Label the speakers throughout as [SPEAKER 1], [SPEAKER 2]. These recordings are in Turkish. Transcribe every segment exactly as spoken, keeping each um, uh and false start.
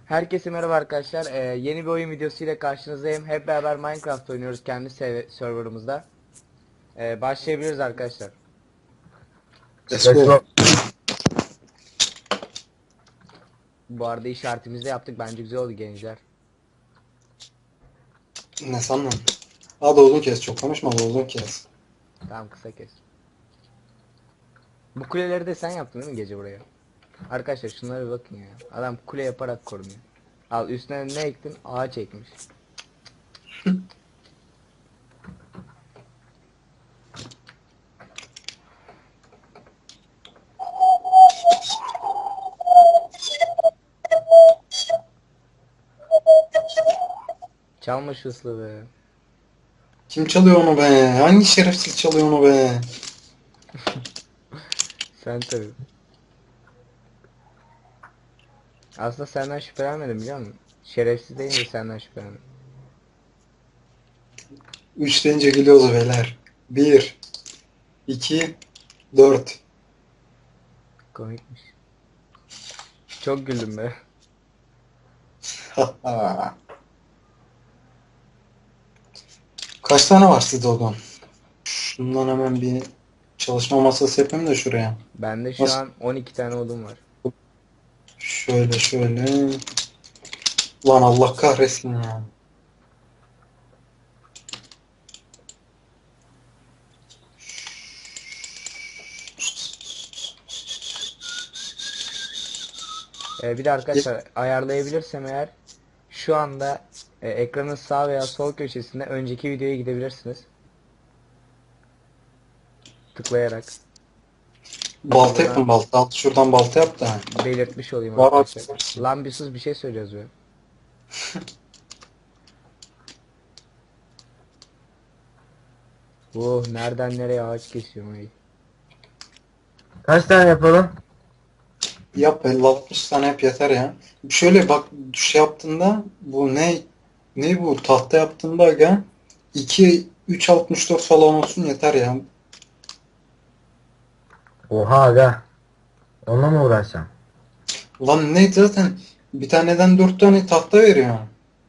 [SPEAKER 1] Herkese merhaba arkadaşlar. Ee, yeni bir oyun videosu ile karşınızdayım. Hep beraber Minecraft oynuyoruz kendi serv- serverımızda. Ee, başlayabiliriz arkadaşlar.
[SPEAKER 2] Let's
[SPEAKER 3] Let's
[SPEAKER 2] go.
[SPEAKER 3] go.
[SPEAKER 1] Bu arada işaretimizi de yaptık. Bence güzel oldu gençler.
[SPEAKER 2] Ne sandın? Hadi uzun kes, çok konuşma da uzun kes.
[SPEAKER 1] Tamam, kısa kes. Bu kuleleri de sen yaptın değil mi gece buraya? Arkadaşlar şunlara bir bakın ya. Adam kule yaparak korunuyor. Al, üstüne ne ektin? Ağaç ekmiş. Çalma şu ıslığı be.
[SPEAKER 2] Kim çalıyor onu be? Hangi şerefsiz çalıyor onu be?
[SPEAKER 1] Sen tabii. Aslında senden şüphelenmedim biliyor musun? Şerefsiz deyince senden şüphelendim.
[SPEAKER 2] Üç deyince gülüyoruz beyler. Bir, iki, dört.
[SPEAKER 1] Komikmiş. Çok güldüm be.
[SPEAKER 2] Kaç tane var sizde odan? Şundan hemen bir çalışma masası yapayım da şuraya.
[SPEAKER 1] Bende şu
[SPEAKER 2] Nasıl?
[SPEAKER 1] an on iki tane odun var.
[SPEAKER 2] Şöyle şöyle. Lan Allah kahretsin ya.
[SPEAKER 1] Ee, bir de arkadaşlar ayarlayabilirsem eğer şu anda e, ekranın sağ veya sol köşesinde önceki videoya gidebilirsiniz. Tıklayarak.
[SPEAKER 2] Balta
[SPEAKER 1] Buradan
[SPEAKER 2] yapın balta. Al şuradan balta yap da.
[SPEAKER 1] belirtmiş olayım
[SPEAKER 2] Var
[SPEAKER 1] arkadaşlar.
[SPEAKER 2] abi.
[SPEAKER 1] Lan bir sus, bir şey söyleyeceğiz be. Oh, nereden nereye ağaç kesiyorum ay.
[SPEAKER 3] Kaç tane yapalım?
[SPEAKER 2] Yap elli altmış tane yap yeter ya. Şöyle bak şey yaptığında bu ne ne bu tahta yaptığında aga iki üç altmış dört falan olsun yeter ya.
[SPEAKER 3] Oha aga. Onunla mı uğraşacağım?
[SPEAKER 2] Lan ne zaten bir taneden dört tane tahta veriyor.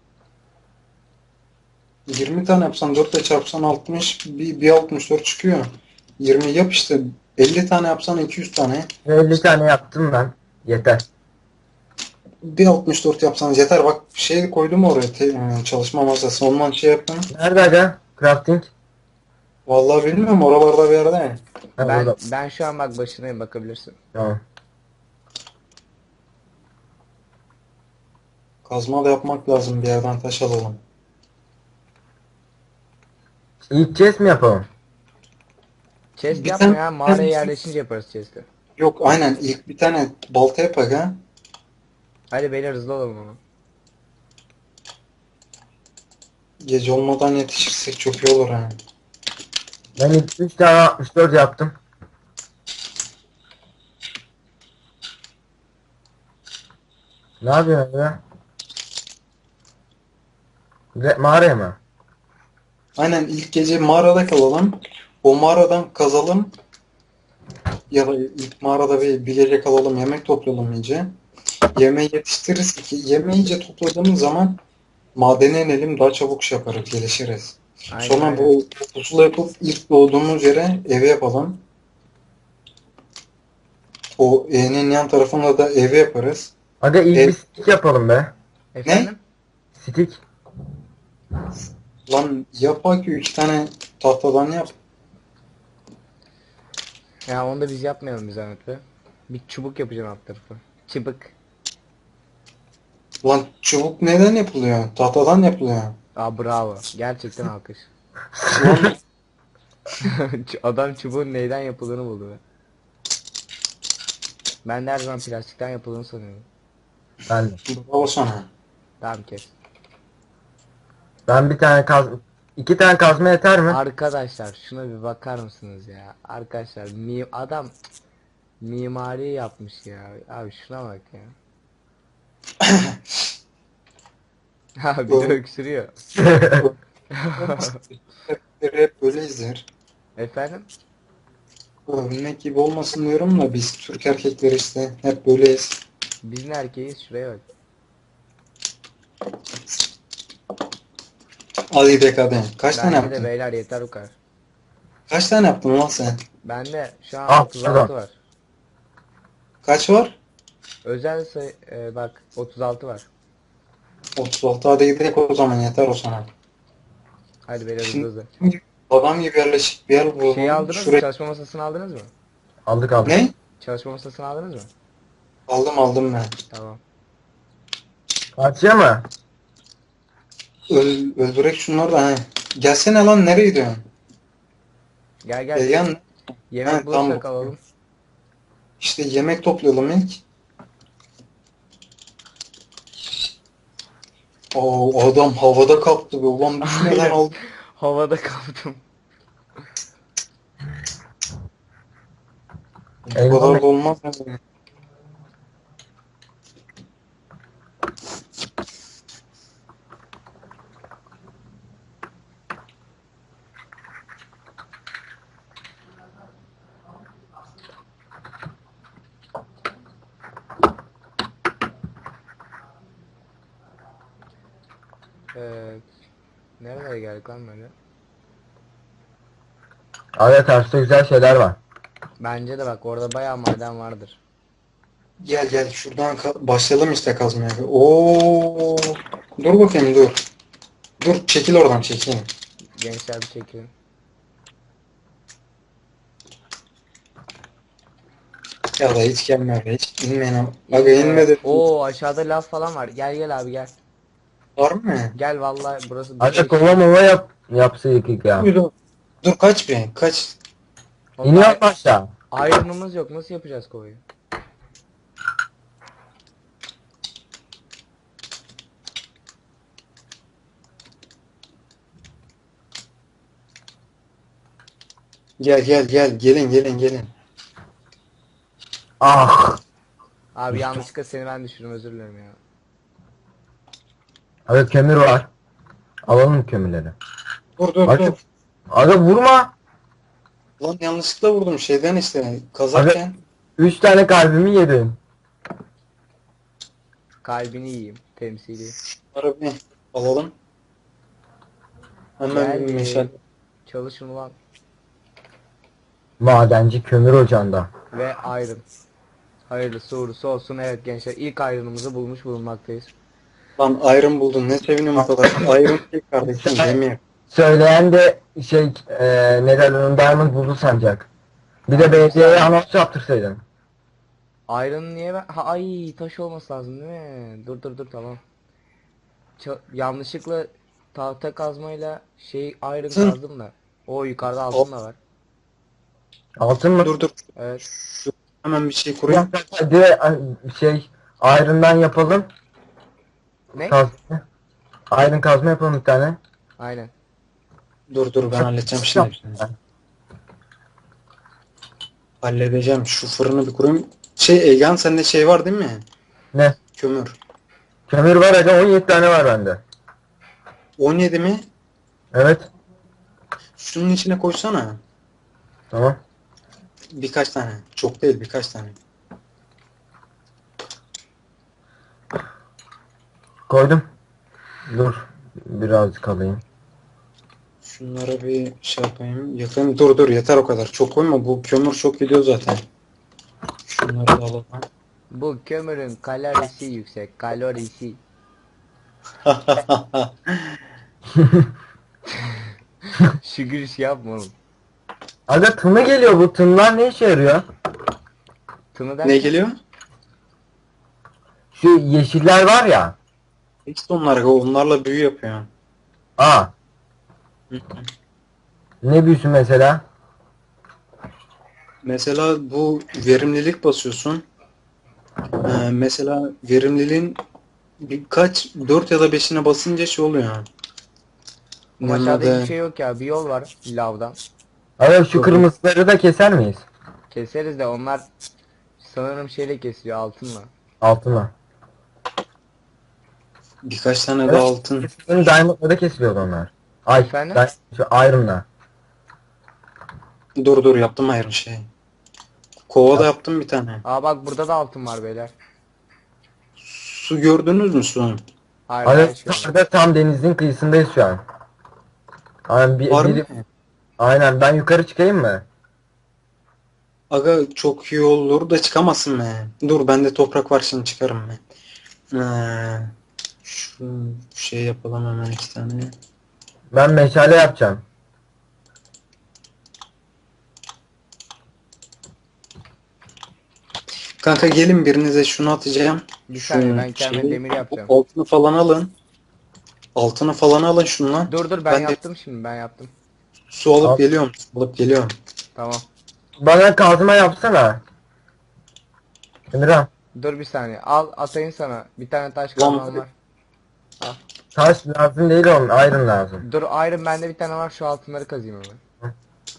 [SPEAKER 2] yirmi tane yapsan dört ile çarpsan altmış bir, bir altmış dört çıkıyor. yirmi yap işte elli tane yapsan iki yüz tane.
[SPEAKER 3] elli tane yaptım ben. Yeter.
[SPEAKER 2] Bir altmış dört yapsanız yeter. Bak şey koydum oraya te- e, çalışma masası. Ondan şey yapın.
[SPEAKER 3] Nerede aga? Crafting.
[SPEAKER 2] Vallahi bilmiyorum oralarda bir yerde.
[SPEAKER 3] Ha
[SPEAKER 1] Ben
[SPEAKER 3] burada.
[SPEAKER 1] ben şu an bak başındayım, bakabilirsin.
[SPEAKER 3] Tamam.
[SPEAKER 2] Kazma da yapmak lazım bir yerden taş alalım.
[SPEAKER 3] İlk chest mi yapalım?
[SPEAKER 1] Chest
[SPEAKER 2] Bir
[SPEAKER 1] yapma
[SPEAKER 2] tane
[SPEAKER 1] ya, mağaraya yerleşince yaparız chest'i.
[SPEAKER 2] yok aynen ilk bir tane balta yap aga.
[SPEAKER 1] Hadi beyler, hızlı olalım ama.
[SPEAKER 2] Gece olmadan yetişirsek çok iyi olur ha.
[SPEAKER 3] Ben ilk üç tane altmış dört yaptım. Ne yapıyorsun aga? Re- Mağaraya mı?
[SPEAKER 2] Aynen ilk gece mağarada kalalım. O mağaradan kazalım. Ya da ilk mağarada bir, bir gece kalalım yemek toplayalım iyice. Yemeği yetiştiririz ki yemeği iyice topladığımız zaman madene inelim daha çabuk şey yaparız gelişiriz.
[SPEAKER 1] Aynen
[SPEAKER 2] Sonra
[SPEAKER 1] aynen.
[SPEAKER 2] bu pusula yapıp ilk doğduğumuz yere evi yapalım. O E'nin yan tarafında da evi yaparız.
[SPEAKER 3] Aga ilk
[SPEAKER 2] E,
[SPEAKER 3] bir stick yapalım be.
[SPEAKER 2] ne?
[SPEAKER 1] Efendim?
[SPEAKER 3] Stick.
[SPEAKER 2] Lan yap ki iki tane tahtadan yap.
[SPEAKER 1] Ya onu da biz yapmayalım bir zahmet be. Bir çubuk yapacağım alt tarafı. Çıbık.
[SPEAKER 2] Lan çubuk neden yapılıyor? Tahtadan yapılıyor.
[SPEAKER 1] Aa, bravo. Gerçekten alkış.
[SPEAKER 2] Lan
[SPEAKER 1] Ç- Adam çubuğun neyden yapıldığını buldu be. Ben de her zaman plastikten yapıldığını sanıyorum.
[SPEAKER 3] Ben de.
[SPEAKER 2] bravo sana.
[SPEAKER 1] Tamam, kes.
[SPEAKER 3] Ben bir tane kaz... iki tane kazma yeter mi?
[SPEAKER 1] Arkadaşlar şuna bir bakar mısınız ya? Arkadaşlar mi adam cık, mimari yapmış ya. Abi şuna bak ya. Ha, bir de
[SPEAKER 2] Ö-
[SPEAKER 1] öksürüyor.
[SPEAKER 2] ö- olmaz. Hep böyle izler.
[SPEAKER 1] Efendim?
[SPEAKER 2] Övünmek gibi olmasın diyorum da biz Türk erkekleri işte hep böyleyiz.
[SPEAKER 1] Biz ne erkeğiz? Şuraya bak.
[SPEAKER 2] Hadi gidelim hadi. Kaç tane
[SPEAKER 1] Bence de
[SPEAKER 2] yaptın?
[SPEAKER 1] beyler yeter bu kadar.
[SPEAKER 2] Kaç tane yaptın lan sen?
[SPEAKER 1] Bende şu an
[SPEAKER 3] Ah,
[SPEAKER 1] otuz altı
[SPEAKER 3] pardon.
[SPEAKER 1] var.
[SPEAKER 2] Kaç var?
[SPEAKER 1] Özel sayı e, bak otuz altı var.
[SPEAKER 2] otuz altı, hadi gidelim o zaman, yeter o sana.
[SPEAKER 1] Hadi beyler hızlı
[SPEAKER 2] Şimdi
[SPEAKER 1] hızlı.
[SPEAKER 2] adam gibi yerleşik bir yer bulalım.
[SPEAKER 1] Şeyi aldınız mı?
[SPEAKER 2] Şuraya...
[SPEAKER 1] Çalışma masasını aldınız mı?
[SPEAKER 3] Aldık aldık.
[SPEAKER 2] Ne?
[SPEAKER 1] Çalışma masasını aldınız mı?
[SPEAKER 2] Aldım aldım ben.
[SPEAKER 1] Tamam.
[SPEAKER 3] Karşıya mı?
[SPEAKER 2] Öl, öldürek şunları da he. Gelsene lan, nereye gidiyorsun?
[SPEAKER 1] Gel gel.
[SPEAKER 2] E, yan,
[SPEAKER 1] Yemek
[SPEAKER 2] Ha,
[SPEAKER 1] bulursak
[SPEAKER 2] tamam.
[SPEAKER 1] alalım.
[SPEAKER 2] işte yemek toplayalım ilk. Oo, adam havada kaptı be ulan, düşmeden
[SPEAKER 1] Aynen.
[SPEAKER 2] aldı.
[SPEAKER 1] Havada kaldım.
[SPEAKER 2] Bu
[SPEAKER 3] Eyvallah.
[SPEAKER 2] kadar da olmaz ya.
[SPEAKER 1] Evet. Nereye geldik lan böyle?
[SPEAKER 3] Abi karşıda güzel şeyler var.
[SPEAKER 1] Bence de bak orada bayağı maden vardır.
[SPEAKER 2] Gel gel şuradan ka- başlayalım işte kazmaya. Oo, dur bakayım dur. Dur, çekil oradan, çekil.
[SPEAKER 1] Gençler bir çekilin.
[SPEAKER 2] Ya da hiç gelme be, hiç inmeyin ama. Aga inmedi.
[SPEAKER 1] Oo aşağıda lav falan var. Gel gel abi gel.
[SPEAKER 2] Var mı?
[SPEAKER 1] Gel vallahi burası bir
[SPEAKER 3] Abi
[SPEAKER 1] şey.
[SPEAKER 3] kova mova yap. Yapsaydık ilk ya.
[SPEAKER 2] Dur, dur kaç bir kaç.
[SPEAKER 3] İniyor mu aşağı?
[SPEAKER 1] Iron'ımız yok. Nasıl yapacağız kovayı?
[SPEAKER 2] Gel gel gel, gelin gelin gelin.
[SPEAKER 3] Ah.
[SPEAKER 1] Abi yanlışlıkla seni ben düşürdüm, özür dilerim ya.
[SPEAKER 3] Abi kömür var. Alalım kömürleri.
[SPEAKER 2] Dur dur
[SPEAKER 3] Abi,
[SPEAKER 2] dur.
[SPEAKER 3] abi vurma.
[SPEAKER 2] Lan yanlışlıkla vurdum şeyden işte kazarken.
[SPEAKER 3] Üç tane kalbimi yedin.
[SPEAKER 1] Kalbini yiyeyim temsili.
[SPEAKER 2] Şunları bir alalım. Hemen bir meşale.
[SPEAKER 1] Geldim. Çalışın ulan.
[SPEAKER 3] Madenci kömür ocağında.
[SPEAKER 1] Ve iron. Hayırlısı uğurlusu olsun. Evet gençler, ilk iron'ımızı bulmuş bulunmaktayız.
[SPEAKER 2] Lan iron buldun, ne seviniyorum o kadar. Iron değil kardeşim, demir.
[SPEAKER 3] Söyleyen de şey eee ne derler onu, diamond buldu sanacak. Bir de belediyeye anons yaptırsaydın.
[SPEAKER 1] Iron niye ben... Ha, ay taş olması lazım değil mi? Dur dur dur tamam. Ça- yanlışlıkla tahta kazmayla şey iron
[SPEAKER 2] Hı.
[SPEAKER 1] kazdım da. O yukarıda altın da var.
[SPEAKER 3] Altın mı?
[SPEAKER 2] Dur dur.
[SPEAKER 1] Evet.
[SPEAKER 2] Şu, hemen bir şey kurayım.
[SPEAKER 3] Hadi şey iron'dan yapalım.
[SPEAKER 1] Ne?
[SPEAKER 3] Kazma. Iron kazma yapalım bir tane.
[SPEAKER 1] Aynen.
[SPEAKER 2] Dur dur, ben halledeceğim şimdi. Halledeceğim. Şu fırını bir kurayım. Şey Egehan, sende şey var değil mi?
[SPEAKER 3] Ne?
[SPEAKER 2] Kömür.
[SPEAKER 3] Kömür var aga, on yedi tane var bende.
[SPEAKER 2] on yedi mi?
[SPEAKER 3] Evet.
[SPEAKER 2] Şunun içine koysana.
[SPEAKER 3] Tamam.
[SPEAKER 2] Birkaç tane. Çok değil, birkaç tane.
[SPEAKER 3] Koydum. Dur. Birazcık alayım.
[SPEAKER 2] Şunlara bir şey yapayım. Yakayım. Dur dur, yeter o kadar. Çok koyma. Bu kömür çok gidiyor zaten. Şunları da alalım.
[SPEAKER 1] Bu kömürün kalorisi yüksek. Kalorisi. Şu gülüş yapma oğlum.
[SPEAKER 3] Aga tını geliyor, bu tınlar ne işe yarıyor?
[SPEAKER 1] Tını
[SPEAKER 2] Ne
[SPEAKER 1] derken
[SPEAKER 2] geliyor?
[SPEAKER 3] Şu yeşiller var ya.
[SPEAKER 2] İşte onlar. Onlarla büyü yapıyor.
[SPEAKER 3] Aa. Ne büyüsü mesela?
[SPEAKER 2] Mesela bu verimlilik basıyorsun. Ee, mesela verimliliğin birkaç dört ya da beşine basınca şey oluyor.
[SPEAKER 1] Ama aşağıda
[SPEAKER 2] Yanına
[SPEAKER 1] hiçbir şey yok ya. Bir yol var lavdan.
[SPEAKER 3] Aga şu
[SPEAKER 2] Çok-
[SPEAKER 3] kırmızıları da keser miyiz?
[SPEAKER 1] Keseriz de onlar sanırım şeyle kesiliyor, altınla.
[SPEAKER 3] Altına.
[SPEAKER 2] birkaç tane
[SPEAKER 3] Evet.
[SPEAKER 2] daha altın.
[SPEAKER 3] Benim diamond'la da kesiliyordu onlar. Ay,
[SPEAKER 1] Efendim?
[SPEAKER 3] ben şu iron'la.
[SPEAKER 2] Dur dur, yaptım ayrı şey. Kova da yaptım bir tane.
[SPEAKER 1] Aa bak burada da altın var beyler.
[SPEAKER 2] Su gördünüz mü su?
[SPEAKER 1] Hayır
[SPEAKER 3] Aga
[SPEAKER 1] hayır, hiç görmedim.
[SPEAKER 3] yukarıda tam denizin kıyısındayız şu an. Aynen, bir,
[SPEAKER 2] Var mı?
[SPEAKER 3] biri, aynen ben yukarı çıkayım mı?
[SPEAKER 2] Aga çok iyi olur da çıkamazsın be. Dur bende toprak var şimdi çıkarım ben. Ee, şu şey yapalım hemen iki tane.
[SPEAKER 3] Ben meşale yapacağım.
[SPEAKER 2] Kanka gelin birinize şunu atacağım.
[SPEAKER 1] Bir
[SPEAKER 2] Şu
[SPEAKER 1] saniye ben kendime
[SPEAKER 2] şeyi,
[SPEAKER 1] demir yapacağım.
[SPEAKER 2] altını falan alın. Altını falan alın şundan.
[SPEAKER 1] Dur dur ben,
[SPEAKER 2] Ben de
[SPEAKER 1] yaptım şimdi ben yaptım.
[SPEAKER 2] su alıp
[SPEAKER 3] Al.
[SPEAKER 2] geliyorum. Su alıp geliyorum.
[SPEAKER 1] Tamam.
[SPEAKER 3] Bana kazma yapsana. Emirhan.
[SPEAKER 1] Dur bir saniye. Al atayım sana. Bir tane taş
[SPEAKER 2] Lan
[SPEAKER 1] kazmam var. Al.
[SPEAKER 3] Taş lazım değil oğlum. Iron lazım.
[SPEAKER 1] Dur iron bende bir tane var. Şu altınları kazıyım hemen.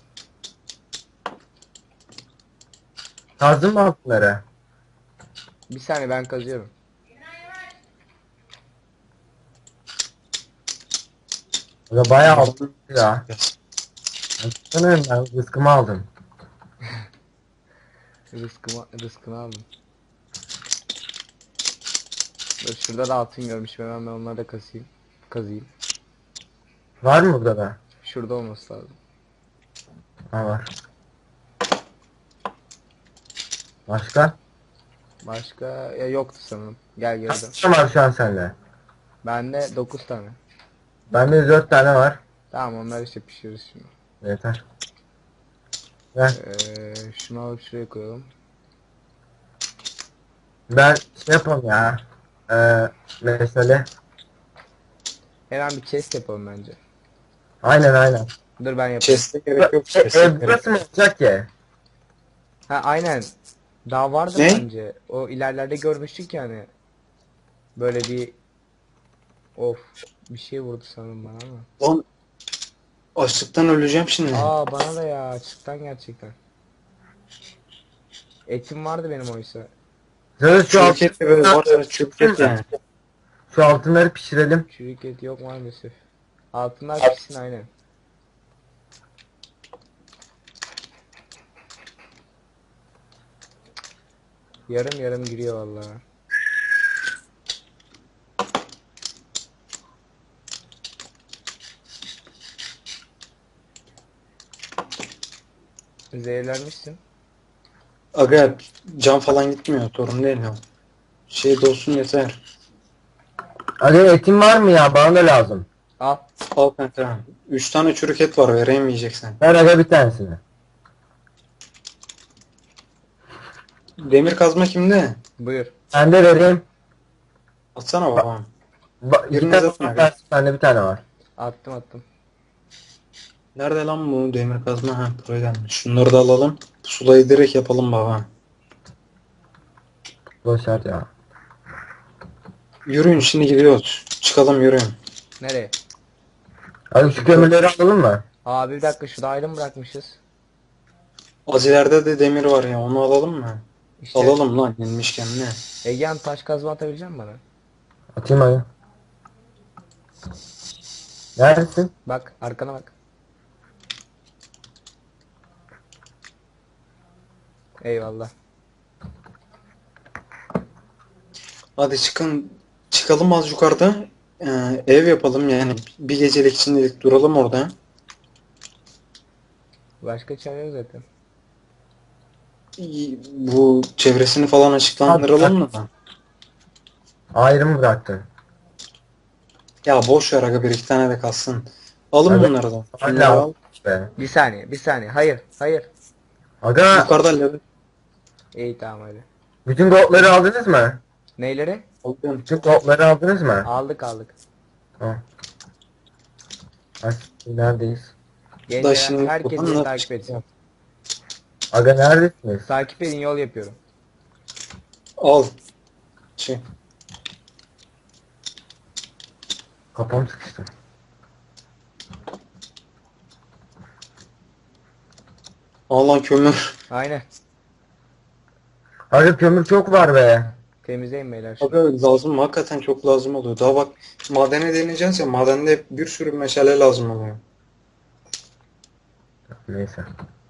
[SPEAKER 3] Kazdın mı altınları?
[SPEAKER 1] Bir saniye ben kazıyorum.
[SPEAKER 3] Ya bayağı altın ya. Sanırım ben rızkımı aldım.
[SPEAKER 1] Rızkımı, rızkını aldım. Dur şurada da altın görmüşüm. Hemen ben onları da kazıyım. Kazıyım.
[SPEAKER 3] Var mı burada da?
[SPEAKER 1] Şurada olması lazım.
[SPEAKER 3] Ha var. Başka?
[SPEAKER 1] Başka ya yoktu sanırım. Gel geri dön.
[SPEAKER 3] Kaç tane var şu an sende?
[SPEAKER 1] Bende dokuz tane.
[SPEAKER 3] Bende dört tane var.
[SPEAKER 1] Tamam onları işte pişiririz şimdi.
[SPEAKER 3] Yeter. Ver.
[SPEAKER 1] Ee, şunu alıp şuraya koyalım.
[SPEAKER 3] Ben şey yapalım ya. Ee, mesele.
[SPEAKER 1] Hemen bir chest yapalım bence.
[SPEAKER 3] Aynen aynen.
[SPEAKER 1] Dur ben yapayım.
[SPEAKER 2] Chest'e gerek yok.
[SPEAKER 3] E,
[SPEAKER 2] Chest'e
[SPEAKER 3] ev
[SPEAKER 2] gerek
[SPEAKER 3] burası mı olacak ki?
[SPEAKER 1] Ha aynen. Daha vardı
[SPEAKER 2] Ne?
[SPEAKER 1] bence. O ilerlerde görmüştük yani. Böyle bir of bir şey vurdu sanırım bana ama.
[SPEAKER 2] Lan açlıktan öleceğim şimdi.
[SPEAKER 1] Aa bana da ya açıktan gerçekten. Etim vardı benim oysa.
[SPEAKER 3] Şöyle şu, alt,
[SPEAKER 2] Çürük et de böyle varsa çürük et yani.
[SPEAKER 3] şu altınları pişirelim.
[SPEAKER 1] Çürük et yok maalesef. Altınlar pişsin aynen. Yarım yarım giriyor vallahi. Zehirlenmişsin.
[SPEAKER 2] Aga can falan gitmiyor. Sorun değil ya. Şey de olsun yeter.
[SPEAKER 3] Hadi etin var mı ya? Bana da lazım.
[SPEAKER 1] Al.
[SPEAKER 2] Al kanka. Üç tane çürük et var vereyim yiyeceksen.
[SPEAKER 3] Ver aga bir tanesini.
[SPEAKER 2] Demir kazma kimde?
[SPEAKER 1] Buyur.
[SPEAKER 3] Ben de vereyim.
[SPEAKER 2] Atsana babam.
[SPEAKER 3] Ba iki
[SPEAKER 2] Biriniz
[SPEAKER 3] tane
[SPEAKER 2] atın
[SPEAKER 3] var.
[SPEAKER 2] aga.
[SPEAKER 3] Bende bir tane var.
[SPEAKER 1] Attım attım.
[SPEAKER 2] Nerede lan bu demir kazma? Ha buraya gelmiş. Şunları da alalım. Sulayı direkt yapalım baba.
[SPEAKER 3] Boşver ya.
[SPEAKER 2] Yürüyün şimdi gidiyoruz. Çıkalım yürüyün.
[SPEAKER 1] Nereye?
[SPEAKER 3] Hadi şu kömürleri alalım mı?
[SPEAKER 1] Abi bir dakika şurada ayrım bırakmışız.
[SPEAKER 2] Az ileride de demir var ya onu alalım mı?
[SPEAKER 1] İşte
[SPEAKER 2] Alalım lan yenmişken ne?
[SPEAKER 1] Egehan taş kazma atabilecek misin bana?
[SPEAKER 3] Atayım hadi. Neredesin?
[SPEAKER 1] Bak arkana bak. Eyvallah.
[SPEAKER 2] Hadi çıkın. Çıkalım az yukarıda. Ee, ev yapalım yani. Bir gecelik şimdilik duralım orada.
[SPEAKER 1] Başka çare yok zaten.
[SPEAKER 2] İyi, bu çevresini falan açıklandıralım mı?
[SPEAKER 3] Ayrım bıraktın.
[SPEAKER 2] Ya boş ver aga bir iki tane de kalsın. Alın
[SPEAKER 3] Evet.
[SPEAKER 2] bunları da. Şunları
[SPEAKER 3] Hala
[SPEAKER 2] al.
[SPEAKER 3] be.
[SPEAKER 1] Bir saniye bir saniye. Hayır hayır.
[SPEAKER 3] Aga
[SPEAKER 2] Yukarıda level
[SPEAKER 1] İyi tamam hadi.
[SPEAKER 3] bütün goldları aldınız mı?
[SPEAKER 1] Neyleri?
[SPEAKER 2] alıyorum.
[SPEAKER 3] Bütün goldları aldınız mı?
[SPEAKER 1] Aldık aldık.
[SPEAKER 3] Ha. Ay, neredeyiz?
[SPEAKER 1] Gençler
[SPEAKER 2] şimdi
[SPEAKER 1] herkes
[SPEAKER 2] buradan
[SPEAKER 1] beni
[SPEAKER 2] nasıl
[SPEAKER 1] takip
[SPEAKER 2] çıkacağız?
[SPEAKER 1] etsin.
[SPEAKER 3] Aga neredesiniz?
[SPEAKER 1] Takip edin yol yapıyorum.
[SPEAKER 2] Al. Şey.
[SPEAKER 3] Kafam sıkıştı.
[SPEAKER 2] Al lan kömür.
[SPEAKER 1] Aynen.
[SPEAKER 3] Aga kömür çok var be.
[SPEAKER 1] Temizleyin beyler şunu.
[SPEAKER 2] Aga lazım hakikaten çok lazım oluyor. Daha bak madene deneyeceğiz ya madende bir sürü meşale lazım oluyor.
[SPEAKER 3] Neyse.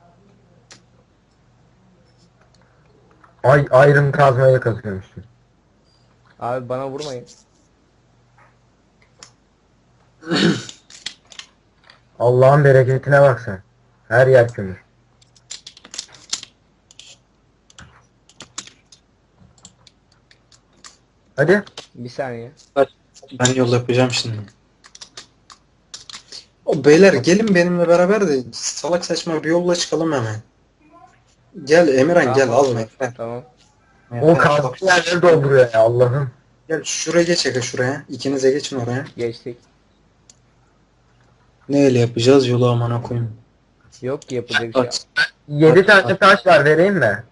[SPEAKER 3] Ay ayrım kazmayla kazıyormuşsun.
[SPEAKER 1] Abi bana vurmayın.
[SPEAKER 3] Allah'ın bereketine bak sen. Her yer kömür. Hadi.
[SPEAKER 1] Bir saniye.
[SPEAKER 2] Ben yol yapacağım şimdi. O beyler gelin benimle beraber de salak saçma bir yolla çıkalım hemen. Gel Emirhan
[SPEAKER 1] Tamam,
[SPEAKER 2] gel
[SPEAKER 1] olur.
[SPEAKER 2] alma yeter.
[SPEAKER 1] Tamam.
[SPEAKER 3] O kazdığı yerleri dolduruyor ya Allah'ım.
[SPEAKER 2] Gel şuraya geç aga şuraya. İkinize geçin oraya.
[SPEAKER 1] Geçtik.
[SPEAKER 2] Neyle yapacağız yolu amına koyayım.
[SPEAKER 1] Yok ki yapacak bir şey.
[SPEAKER 2] Aç.
[SPEAKER 3] Yedi tane taş var, vereyim mi?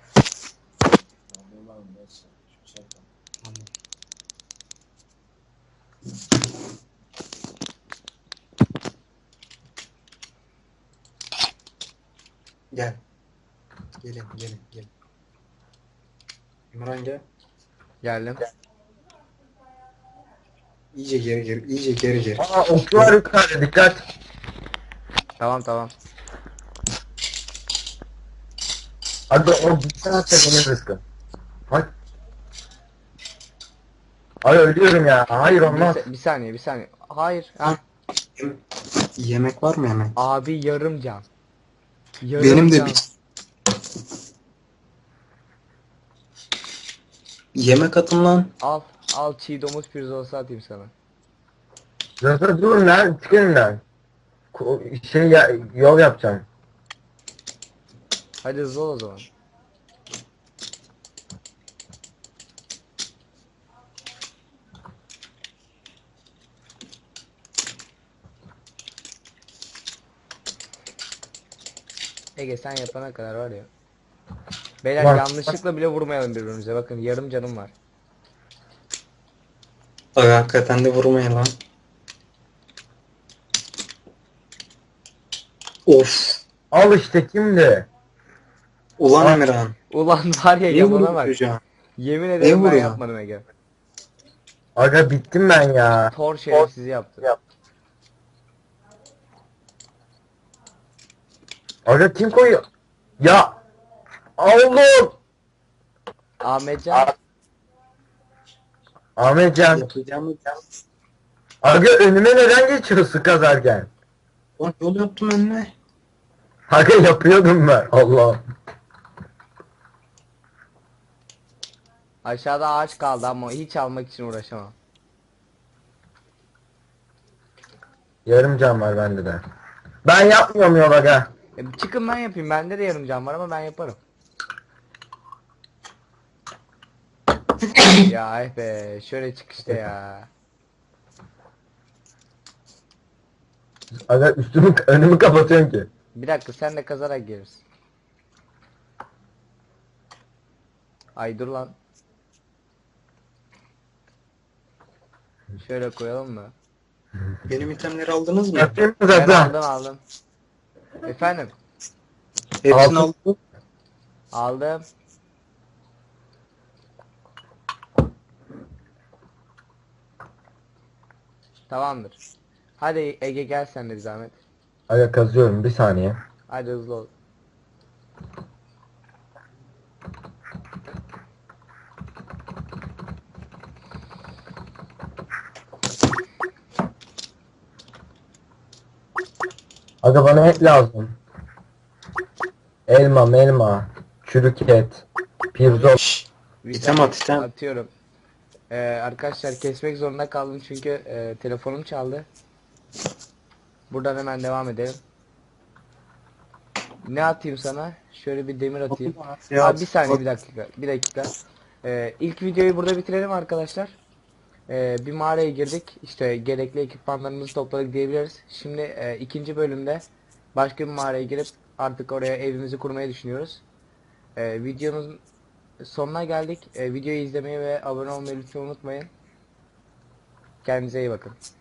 [SPEAKER 2] Gel. Gelin gelin gelin. Emirhan gel.
[SPEAKER 1] Geldim.
[SPEAKER 2] İyice geri gir. İyice geri gir.
[SPEAKER 3] Aa, okçu var yukarıda, dikkat.
[SPEAKER 1] Tamam tamam.
[SPEAKER 3] Hadi o gitsen atacak benim rızkım. Hay. Ay ölüyorum ya. Hayır
[SPEAKER 1] Bir,
[SPEAKER 3] olmaz.
[SPEAKER 1] sa- bir saniye bir saniye. Hayır. Ha.
[SPEAKER 2] Yem- Yemek var mı yemek?
[SPEAKER 1] Abi yarım can. Yarım
[SPEAKER 2] Benim de
[SPEAKER 1] can.
[SPEAKER 2] bir yemek atın lan.
[SPEAKER 1] Al. Al çiğ domuz pirzolası atayım sana.
[SPEAKER 3] Dur dur dur lan, çıkın lan. Ko- Şey ya, yol yapacağım.
[SPEAKER 1] Hadi hızlı ol o zaman. Ege sen yapana kadar var ya. Beyler
[SPEAKER 3] Bak.
[SPEAKER 1] yanlışlıkla bile vurmayalım birbirimize. Bakın yarım canım var.
[SPEAKER 2] Aga hakikaten de vurmayın lan. Of.
[SPEAKER 3] Al işte, kimdi?
[SPEAKER 2] Ulan
[SPEAKER 3] Aa.
[SPEAKER 2] Emirhan.
[SPEAKER 1] Ulan var ya
[SPEAKER 2] Niye
[SPEAKER 1] yamana
[SPEAKER 2] vuruyorsun
[SPEAKER 1] bak.
[SPEAKER 2] çocuğa?
[SPEAKER 1] Yemin
[SPEAKER 2] Niye
[SPEAKER 1] ederim ben
[SPEAKER 2] vuruyor?
[SPEAKER 1] yapmadım Ege.
[SPEAKER 3] Aga bittim ben ya.
[SPEAKER 1] Thor şerefsizi yaptı.
[SPEAKER 3] Yap. Aga kim koyuyor? Ya. Oğlum.
[SPEAKER 1] Ahmetcan.
[SPEAKER 3] Ahmetcan.
[SPEAKER 2] Yapacağımı
[SPEAKER 3] Aga önüme neden geçiyorsun kazarken?
[SPEAKER 2] Lan yol yaptım önüne.
[SPEAKER 3] Aga yapıyordum ben. Allah.
[SPEAKER 1] Aşağıda ağaç kaldı ama hiç almak için uğraşamam.
[SPEAKER 3] Yarım can var bende de. Ben yapmıyorum yol aga.
[SPEAKER 1] E, çıkın ben yapayım. Bende de yarım can var ama ben yaparım. Ya eh be. Şöyle çık işte ya.
[SPEAKER 3] Aga üstümü önümü kapatıyorsun ki.
[SPEAKER 1] Bir dakika sen de kazarak gelirsin. Ay dur lan. Şöyle koyalım mı?
[SPEAKER 2] Benim itemleri aldınız mı?
[SPEAKER 3] Yapayım mı
[SPEAKER 1] Ben
[SPEAKER 3] zaten?
[SPEAKER 1] aldım aldım. Efendim?
[SPEAKER 2] Hepsini
[SPEAKER 3] Aldım.
[SPEAKER 2] aldım.
[SPEAKER 1] Aldım. Tamamdır. Hadi Ege gel sen de bir zahmet.
[SPEAKER 3] Aga kazıyorum, bir saniye.
[SPEAKER 1] Hadi hızlı ol.
[SPEAKER 3] Aga bana et lazım. Elma, melma, çürük et, pirzol.
[SPEAKER 2] Şşş.
[SPEAKER 1] Bir
[SPEAKER 2] İtem
[SPEAKER 1] saniye,
[SPEAKER 2] at, item.
[SPEAKER 1] Atıyorum. Ee, arkadaşlar kesmek zorunda kaldım çünkü e, telefonum çaldı. Buradan hemen devam edelim. Ne atayım sana? Şöyle bir demir atayım.
[SPEAKER 2] Ya,
[SPEAKER 1] Abi bir saniye bir dakika. Bir dakika. Ee, ilk videoyu burada bitirelim arkadaşlar. Ee, bir mağaraya girdik. İşte gerekli ekipmanlarımızı topladık diyebiliriz. Şimdi e, ikinci bölümde başka bir mağaraya girip artık oraya evimizi kurmayı düşünüyoruz. Ee, videonun sonuna geldik. Ee, videoyu izlemeyi ve abone olmayı lütfen unutmayın. Kendinize iyi bakın.